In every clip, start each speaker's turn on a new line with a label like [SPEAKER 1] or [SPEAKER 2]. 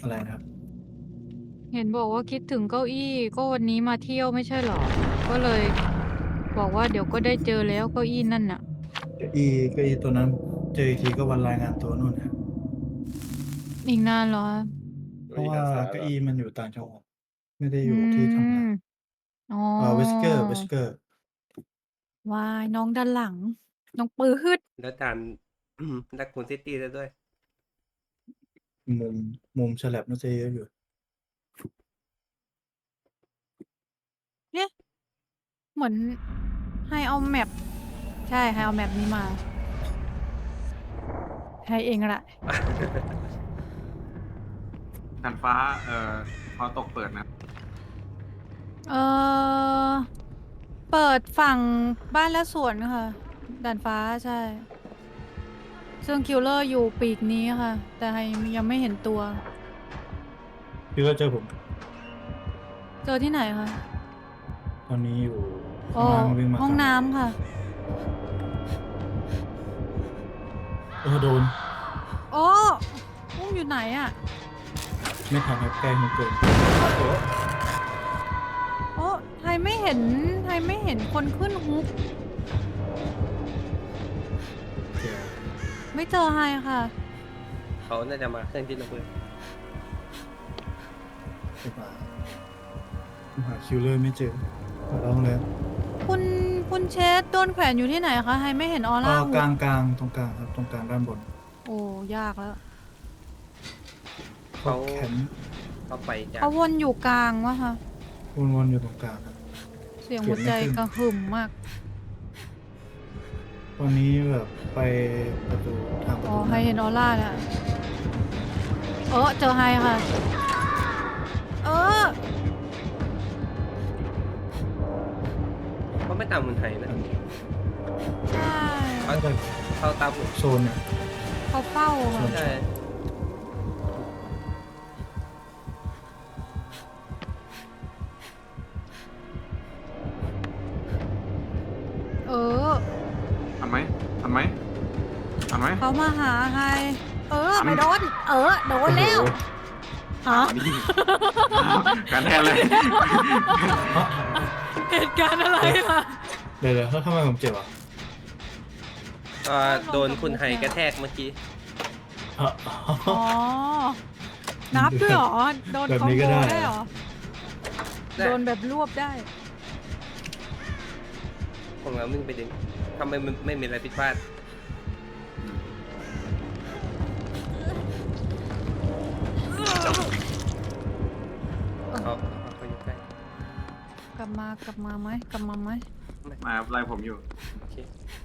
[SPEAKER 1] อะไรนะครับ
[SPEAKER 2] เห็นบอกว่าคิดถึงเก้าอี้ก็วันนี้มาเที่ยวไม่ใช่เหรอก็เลยบอกว่าเดี๋ยวก็ได้เจอแล้วเก้าอี้นั่นน่ะ
[SPEAKER 1] เก้าอี้ตัวนั้นเจออีกทีก็วันรายงานตัวนู่นนะ
[SPEAKER 2] อีกนานเหรอ
[SPEAKER 1] เพราะว่า
[SPEAKER 3] อยู่ที่ด้านซ้ายเหรอ
[SPEAKER 1] เก้าอี้มันอยู่ต่างจังหวัดไม่ได้
[SPEAKER 2] อื
[SPEAKER 1] อยู่ที่ทำ
[SPEAKER 2] ม
[SPEAKER 1] งาน
[SPEAKER 2] อ๋อ
[SPEAKER 1] Wesker
[SPEAKER 2] วายน้องด้านหลังน้องปื๊ด
[SPEAKER 3] แล้วด่านดักคุณซิตี้ซะด้วย
[SPEAKER 1] มุมมุมฉลับน่าจะเยอะอยู่
[SPEAKER 2] เนี่ยเหมือนให้เอาแมปใช่ให้เอาแมปนี้มาให้เองแหละ
[SPEAKER 4] ด่านฟ้าพอตกเปิดนะ
[SPEAKER 2] เออเปิดฝั่งบ้านและสวนค่ะด่านฟ้าใช่ซึ่งคิลเลอร์อยู่ปีกนี้ค่ะแต่ให้ยังไม่เห็นตัว
[SPEAKER 1] พี่ก็เจอผม
[SPEAKER 2] เจอที่ไหนคะ
[SPEAKER 1] ตอนนี้อยู่
[SPEAKER 2] โอ้
[SPEAKER 1] ข้างล่างวิ่งมา
[SPEAKER 2] ห้อง
[SPEAKER 1] ตาม
[SPEAKER 2] น้ำค่ะ
[SPEAKER 1] โดน
[SPEAKER 2] โอ้อุ้มอยู่ไหนอะ
[SPEAKER 1] ไม่ทันครับใกล้มันเกิน
[SPEAKER 2] โอ้ไทยไม่เห็นไทยไม่เห็นคนขึ้นฮุก
[SPEAKER 1] เจอ
[SPEAKER 2] ไม่เจอไฮค่ะ
[SPEAKER 3] เขาน่าจะมาเครื่องที่ระเบิด
[SPEAKER 1] ไปมาหาคิวเลอร์ไม่เจอขอร้องเลย
[SPEAKER 2] คุณคุณเชสโดนแขวนอยู่ที่ไหนคะไฮไม่เห็นออร่าฮุก
[SPEAKER 1] กลางตรงกลางครับตรงกลางด้านบน
[SPEAKER 2] โอ้ยากแล้ว
[SPEAKER 3] เขา
[SPEAKER 1] แข็ง
[SPEAKER 3] เขาไปจาก
[SPEAKER 2] เขาวนอยู่กลางวะคะ
[SPEAKER 1] วนๆอยู่ตรงกลางครับ
[SPEAKER 2] เสียงหัวใจกระหึ่มมาก
[SPEAKER 1] ตอนนี้แบบไปประตูทางประ
[SPEAKER 2] อ๋อ
[SPEAKER 1] ตู
[SPEAKER 2] ไฮเห็นออร่าแล้วเจอไฮค่ะเออ
[SPEAKER 3] เขาไม่ตามคนไทยนะ
[SPEAKER 2] ใช่
[SPEAKER 3] เขา
[SPEAKER 1] น่าจะ
[SPEAKER 3] เขาตามผม
[SPEAKER 1] โซนเนี่ย
[SPEAKER 2] เขาเฝ้าค่ะ
[SPEAKER 3] ใช่
[SPEAKER 2] เออ
[SPEAKER 4] ทันไหมทันไหมทันไหม
[SPEAKER 2] เขามาหาไฮ
[SPEAKER 4] ทัน
[SPEAKER 2] ไม่โดนโดนแล้วฮะ
[SPEAKER 4] นี่การแทนเลย
[SPEAKER 2] เหตุการณ์อะไรอะ
[SPEAKER 1] เดี๋ยวแล้วทำไมผมเจ็บอ่ะ
[SPEAKER 3] โดนคุณไฮกระแทกเมื่อกี้
[SPEAKER 1] อ๋อ
[SPEAKER 2] อ๋อ นับด้วยเหรอ โดน
[SPEAKER 1] แบบ
[SPEAKER 2] คอม
[SPEAKER 1] นี้
[SPEAKER 2] โบ
[SPEAKER 1] ก็ได้
[SPEAKER 2] ได้เหรอ
[SPEAKER 3] ได้
[SPEAKER 2] โดนแบบรวบได้
[SPEAKER 3] ของเรามึงไปดึงทำไมมันไม่มีอะไรผิดพลาดเขาอยู่ใกล้
[SPEAKER 2] กลับมากลับมาไหม
[SPEAKER 4] มาไล่ผมอยู่
[SPEAKER 3] โอเค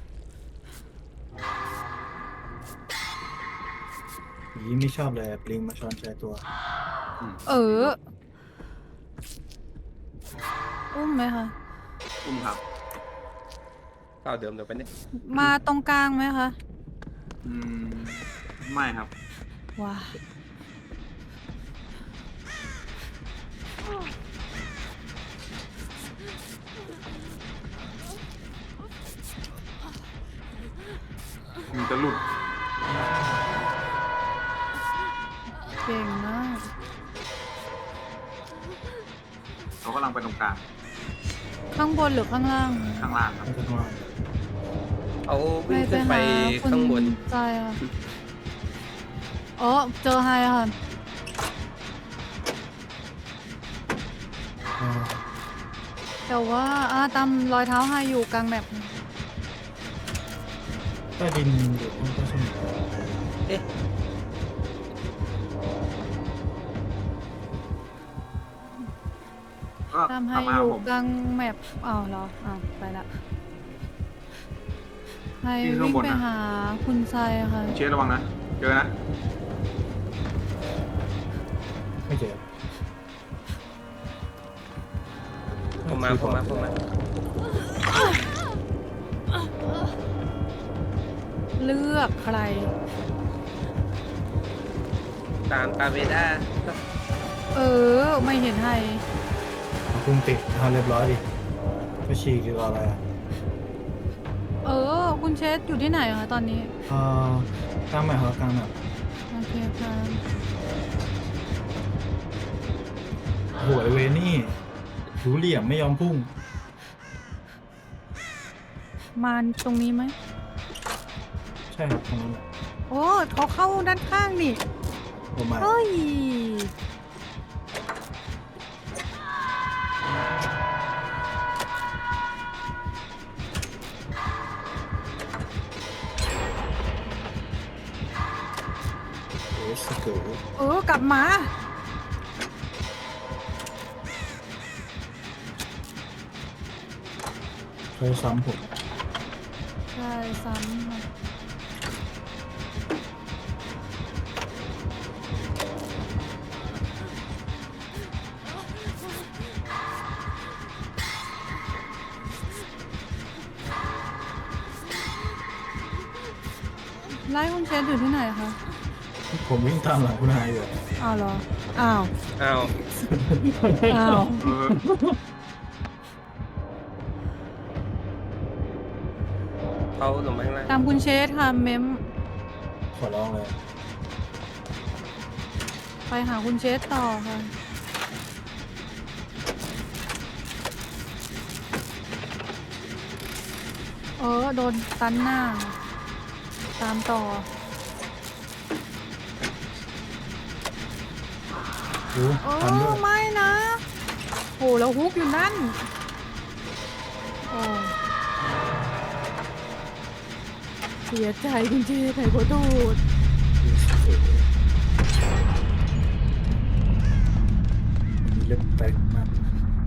[SPEAKER 1] ผีไม่ชอบเลยปลิงมาช้อนใจตัว
[SPEAKER 2] เออ อุ้มไหมคะ
[SPEAKER 4] อุ้มครับ
[SPEAKER 3] เข้าเดิมเดี๋ยวไปเนี่ย
[SPEAKER 2] มาตรงกลางไหมคะ
[SPEAKER 4] อืมไม่ครับ
[SPEAKER 2] ว้า
[SPEAKER 4] มันจะหลุด
[SPEAKER 2] เก่งมาก
[SPEAKER 4] เขากำลังไปตรงกลาง
[SPEAKER 2] ข้างบนหรือข้างล่าง
[SPEAKER 4] ข้างล่างครับ
[SPEAKER 1] ไม่ต้องว่า
[SPEAKER 3] เขาวิ่ง
[SPEAKER 2] ไป
[SPEAKER 3] ขึ้นไป
[SPEAKER 2] หาคุณ
[SPEAKER 3] ข้างบน
[SPEAKER 2] ใจค่ะเจอไฮค่ะ แต่ว่าตามรอยเท้าไฮอยู่กลางแมป
[SPEAKER 1] ใต้ดินอยู่ห้องใต้สมุด
[SPEAKER 3] เอ๊ะ
[SPEAKER 4] ก็
[SPEAKER 2] ตามไฮ
[SPEAKER 4] ตามมา
[SPEAKER 2] อยู่
[SPEAKER 4] ผม
[SPEAKER 2] กลางแมปเหรอไปละไฮ
[SPEAKER 4] ที่ข้าง
[SPEAKER 2] วิ่ง
[SPEAKER 4] บน
[SPEAKER 2] ไป
[SPEAKER 4] นะ
[SPEAKER 2] หาคุณไซค่ะ
[SPEAKER 4] เชฟระวังนะเจอนะ
[SPEAKER 1] ไม่เจอ
[SPEAKER 3] ผมมา
[SPEAKER 2] เลือกใคร
[SPEAKER 3] ตามเวด้า
[SPEAKER 2] ไม่เห็นไฮ
[SPEAKER 1] พุ่งติดเรียบร้อยดิก็ฉีกหรืออะไรอ่ะ
[SPEAKER 2] คุณเชสอยู่ที่ไหนคะตอนนี้
[SPEAKER 1] กลางแมปครับกลางแมป
[SPEAKER 2] โอเคค่ะ
[SPEAKER 1] โหยเวนี่รู้เหลี่ยมไม่ยอมพุ่ง
[SPEAKER 2] มาตรงนี้ไหม
[SPEAKER 1] ใช่ครับตรงนั้นแหละ
[SPEAKER 2] โอ้เขาเข้าด้านข้างนี่
[SPEAKER 1] ประมาณ
[SPEAKER 2] เฮ้ย
[SPEAKER 1] เอสเกิร์
[SPEAKER 2] กลับมา
[SPEAKER 1] เคยซ้ำผม
[SPEAKER 2] ใช่ซ้ำค่ะไล่คุณเชฟอยู่ที่ไหนคะ
[SPEAKER 1] ผมวิ่งตามหลังคุณนายอยู่
[SPEAKER 2] อ้าวเหรอ อ้าว
[SPEAKER 3] อ้าว
[SPEAKER 2] อ้าว
[SPEAKER 4] เออ
[SPEAKER 3] เขาลงมาข้างล่าง
[SPEAKER 2] ตามคุณเชฟค่ะเมม
[SPEAKER 1] ขอร้องเลย
[SPEAKER 2] ไปหาคุณเชฟต่อค่ะ โดนตันหน้า ตามต่อ
[SPEAKER 1] ดูทันด้วย
[SPEAKER 2] ไม่นะ โหแล้วฮุกอยู่นั่น โอ้เสียใจจริงๆไข่ขอโทษ
[SPEAKER 1] มีเล็บแตกมาก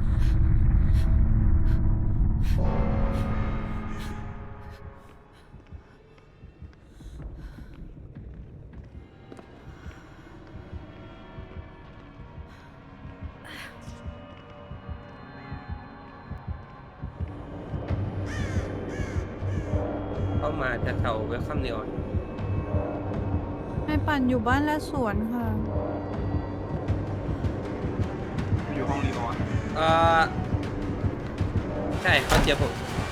[SPEAKER 3] เข้ามาจะเท่าเวลคัมเนียน
[SPEAKER 2] ให้ปั่นอยู่บ้านและสวนค่ะ
[SPEAKER 4] อยู่ห้องรีออน
[SPEAKER 3] ใช่เขาเจอผม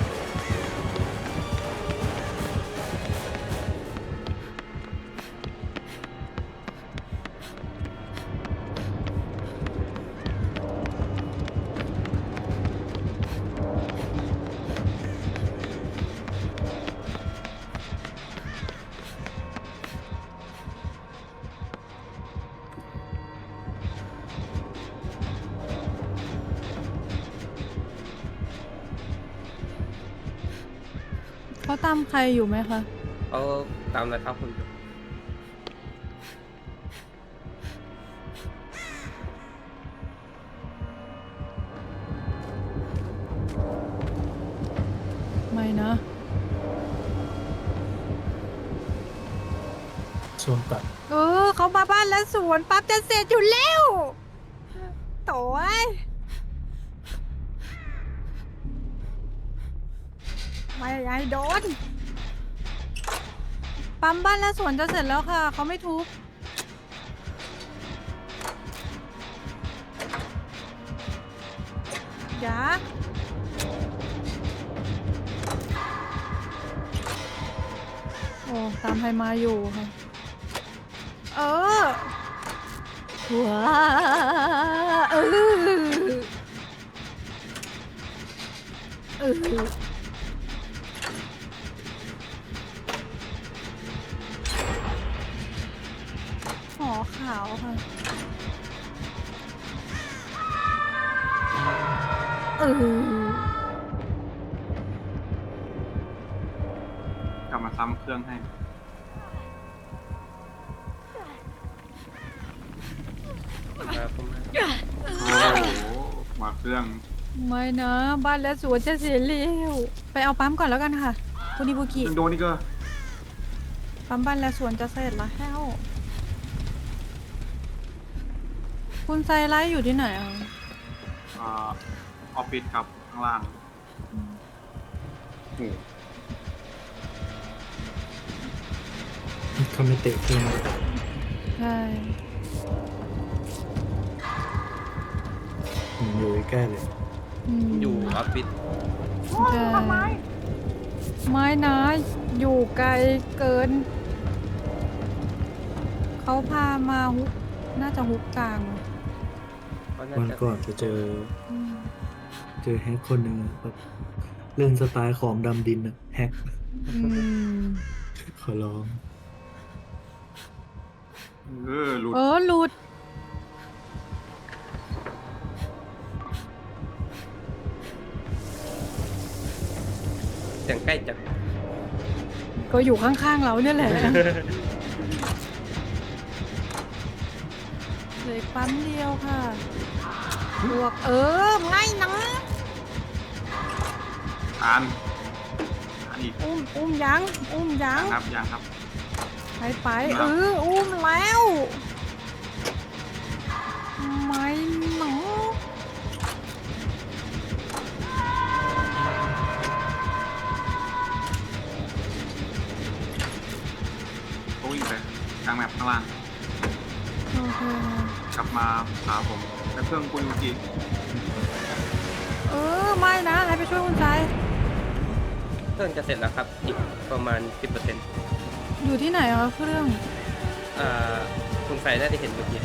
[SPEAKER 2] เขาตามใครอยู่ไหมคะ
[SPEAKER 3] เขาตามนะครับคุณอยู่
[SPEAKER 2] ไม่นะ
[SPEAKER 1] โซนตัด
[SPEAKER 2] เขามาบ้านและสวนปั๊บจะเสร็จอยู่แล้วโถ่เอ้ยไม่ไอ้โดน ปั๊มบ้านและสวนจะเสร็จแล้วค่ะ เขาไม่ทุบอย่าโอ้ ตามใครมาอยู่ค่ะ ว้าหอขาวค่ะ
[SPEAKER 4] กลับมาซ้ำเครื่องให้
[SPEAKER 3] มาผมมา
[SPEAKER 4] โอ้โห มาเครื่อง
[SPEAKER 2] ไม่นะ บ้านและสวนจะเสียเร็วไปเอาปั๊มก่อนแล้วกันค่ะคุณอิบุกิ
[SPEAKER 4] ยังโดนนี่ก็
[SPEAKER 2] ปั๊มบ้านและสวนจะเสร็จแล้ว คุณไซไลท์อยู่ที่ไหนอ่ะ
[SPEAKER 4] ออฟฟิศครับ ข้างล่างโอ้
[SPEAKER 1] เขาไม่เตะเครื่องเลย
[SPEAKER 2] ใช่
[SPEAKER 1] ผมอยู่ใกล้เลย
[SPEAKER 3] อยู่ออฟฟิศ
[SPEAKER 2] ใช่ไม่นะ อยู่ไกลเกิน เขาพามาฮุกน่าจะฮุกกลาง
[SPEAKER 3] เขาน่า
[SPEAKER 1] วัน
[SPEAKER 3] จะ
[SPEAKER 1] ก่อนไปเจอ
[SPEAKER 2] อืม
[SPEAKER 1] แฮกคนหนึ่งอะแบบเล่นสไตล์ของดำดินอะแฮก
[SPEAKER 2] อืม
[SPEAKER 1] ขอร้อง
[SPEAKER 4] หลุด
[SPEAKER 2] หลุด
[SPEAKER 3] เสียงใกล้จัด
[SPEAKER 2] ก็อยู่ข้างๆเราเนี่ยแหละเหลืออกปั๊มเดียวค่ะบวกไม่นะ
[SPEAKER 4] อ่านอีก
[SPEAKER 2] อุ้มยัง
[SPEAKER 4] ครับอย่างครับ
[SPEAKER 2] ไปอุ้มแล้วไม่หนอ
[SPEAKER 4] เขาวิ่งไปกลางแมปข้างล่าง
[SPEAKER 2] โอเค
[SPEAKER 4] กลับมาหาผมแต่เครื่องคุยเมื่อกี้
[SPEAKER 2] ไม่นะให้ไปช่วยคุณชาย
[SPEAKER 3] เครื่องจะเสร็จแล้วครับ อีกประมาณ 10%
[SPEAKER 2] อยู่ที่ไหนคะเครื่อง
[SPEAKER 3] คุณใส่ได้เห็นเมื่อกี้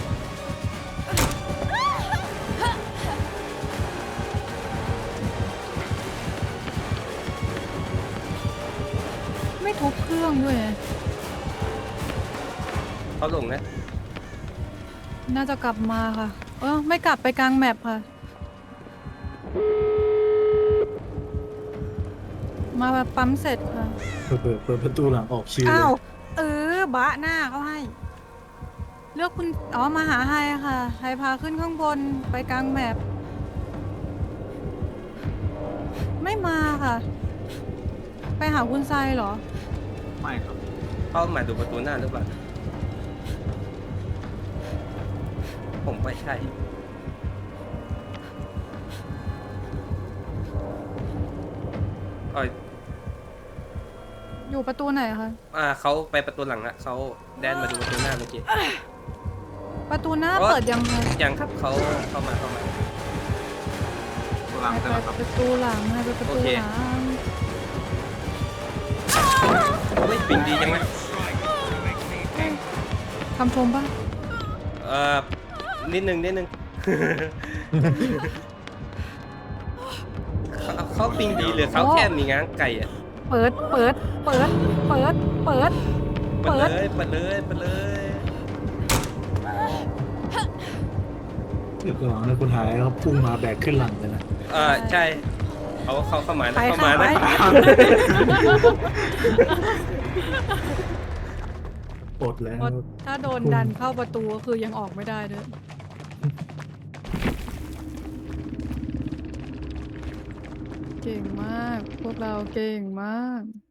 [SPEAKER 2] ไม่ทุบเครื่องด้วย
[SPEAKER 3] เขาลงนะ
[SPEAKER 2] น่าจะกลับมาค่ะ ไม่กลับไปกลางแมปค่ะ มาแบบปั๊มเสร็จค่ะ
[SPEAKER 1] เปิดประตูหลังออกชิวเล
[SPEAKER 2] อ้าวย บะหน้าเขาให้ เลือกคุณมาหาไฮค่ะไฮพาขึ้นข้างบนไปกลางแมปไม่มาค่ะ ไปหาคุณไซเหรอ
[SPEAKER 4] ไม่ครับ
[SPEAKER 3] เขามาดูประตูหน้าหรือเปล่า ผมไม่ใช่
[SPEAKER 2] อยู่ประตูไหนคะ
[SPEAKER 3] เขาไปประตูหลังละเขาแดนมาดูประตูหน้าเมื่อกี้
[SPEAKER 2] ประตูหน้า
[SPEAKER 3] โอ๊ย
[SPEAKER 2] เปิดยังคะ
[SPEAKER 3] ยังครับเขาเข้ามา
[SPEAKER 4] ตัวหลัง
[SPEAKER 2] ไป
[SPEAKER 4] เสร็จแล้วครับ
[SPEAKER 2] ประตูหลังไปประตู
[SPEAKER 3] โอเค
[SPEAKER 2] หลัง
[SPEAKER 3] เฮ้ยปิงดีจังไหม
[SPEAKER 2] คำชมปะ
[SPEAKER 3] นิดนึง เขาปิงดีหรือเขาแค่มีง้างไก่อะ
[SPEAKER 2] เปิด
[SPEAKER 3] เปิดเลย
[SPEAKER 1] เดี๋ยวก่อนนะคุณหายเขาพุ่งมาแบกขึ้นหลังเลยนะ
[SPEAKER 3] ใช่เขาเข้ามานะ
[SPEAKER 2] ไป
[SPEAKER 3] เข้า
[SPEAKER 2] ค่ะ
[SPEAKER 3] มา
[SPEAKER 2] ไป
[SPEAKER 3] นะ
[SPEAKER 1] ปลดแล้ว
[SPEAKER 2] เพราะถ้าโดนดันเข้าประตูก็คือยังออกไม่ได้ด้วยเก่งมาก พวกเราเก่งมาก